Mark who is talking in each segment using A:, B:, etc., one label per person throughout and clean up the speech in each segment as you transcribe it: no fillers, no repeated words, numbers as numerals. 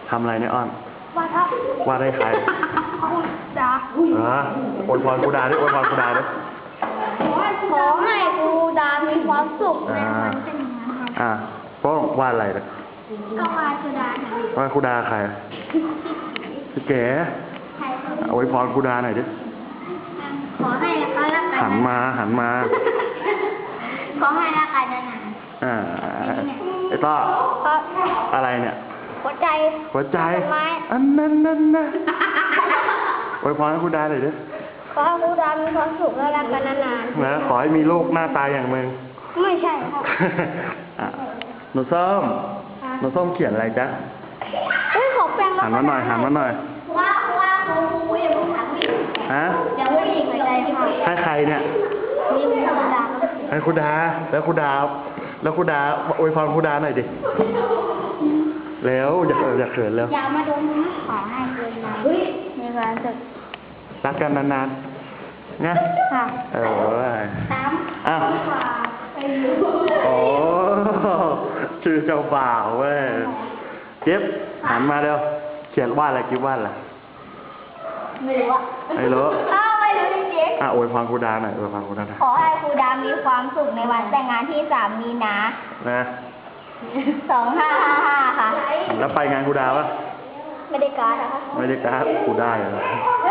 A: ทำอะไรเนี่ยอ้อน
B: วาดครับ
A: วาดให้ใคร
B: จ้า
A: อวยพรครูดาด้วยอวยพรครูดาด้วย
B: ขอให้ครูดามีความสุขในวันเป็นอย่างนั้นครับ
A: โป้งวาดอะไรเนี่ย
B: ก็วาดครูดาค่ะ
A: วาดครูดาใครพี่เก๋
B: ใครครับ
A: อวยพรครูดาหน่อยดิ
B: ขอให้นะคะรักกัน
A: หันมา
B: ขอให้รักกันนาน
A: ไอ้ต้อ
B: ๆครับ
A: อะไรเนี่ย
B: หัวใจ
A: หัวใจ
B: ไม้
A: อันนั้นนะอวยพรให้ครูดาหน่อยดิ
B: ขอให้ครูดามีความสุขและรักกันนาน
A: นะขอให้มีลูกหน้าตาอย่างมึง
B: ๆไม่ใช่ครับ
A: หนูส้มหนูส้มเขียนอะไรจ๊ะ
B: ขอแปลง
A: หันมาหน่อย
B: ว่าครูอย่าพูดถามพี่
A: ฮะ
B: อย่าพูดอีกหัวใจค่ะ
A: ให้ใครเนี่ย
B: นี่มีครูดา
A: ให้ครูดา แล้วครูดาอวยพรครูดาหน่อยดิแล้วอย่าเขินแล้ว
B: อย่ามาดมนะขอให้ครูดามีความสุข
A: รักกันนานๆนะ
B: ค่ะ ตาม
A: อ้าวโอ้ชื่อเจ้าบ่าวเว้ยเก็บหันมาเร็วเขียนวาดอะไรกิ๊บวาดอะไร
B: ไม่รู้อ่ะ
A: ไม่รู้
B: ไม่รู้จริง
A: อวยพรครูดาหน่อยอวยพรครูดาหน่อย
B: ๆขอให้ครูดามีความสุขในวันแต่งงานที่3 มีนา
A: นะ
B: 2555 ค่ะ
A: แล้วไปงานครูดาปะ
B: ไม่ได้การ์ดนะคะ
A: ไม่ได้การ์ดครูได้เหรอ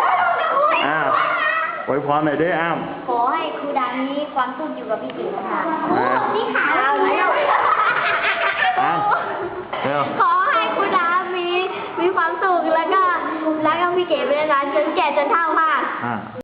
A: อวยพรหน่อยดิอ้าม
B: ขอให้ครูดามีความสุขอยู่กับพี่ติ๋วค่ะ นี่ขา
A: อ้าวเร็ว
B: ขอให้ครูดามีความสุขแล้วก็รักกับพี่เก๋ไปนานๆจนแก่จนเฒ่าค่ะ
A: โ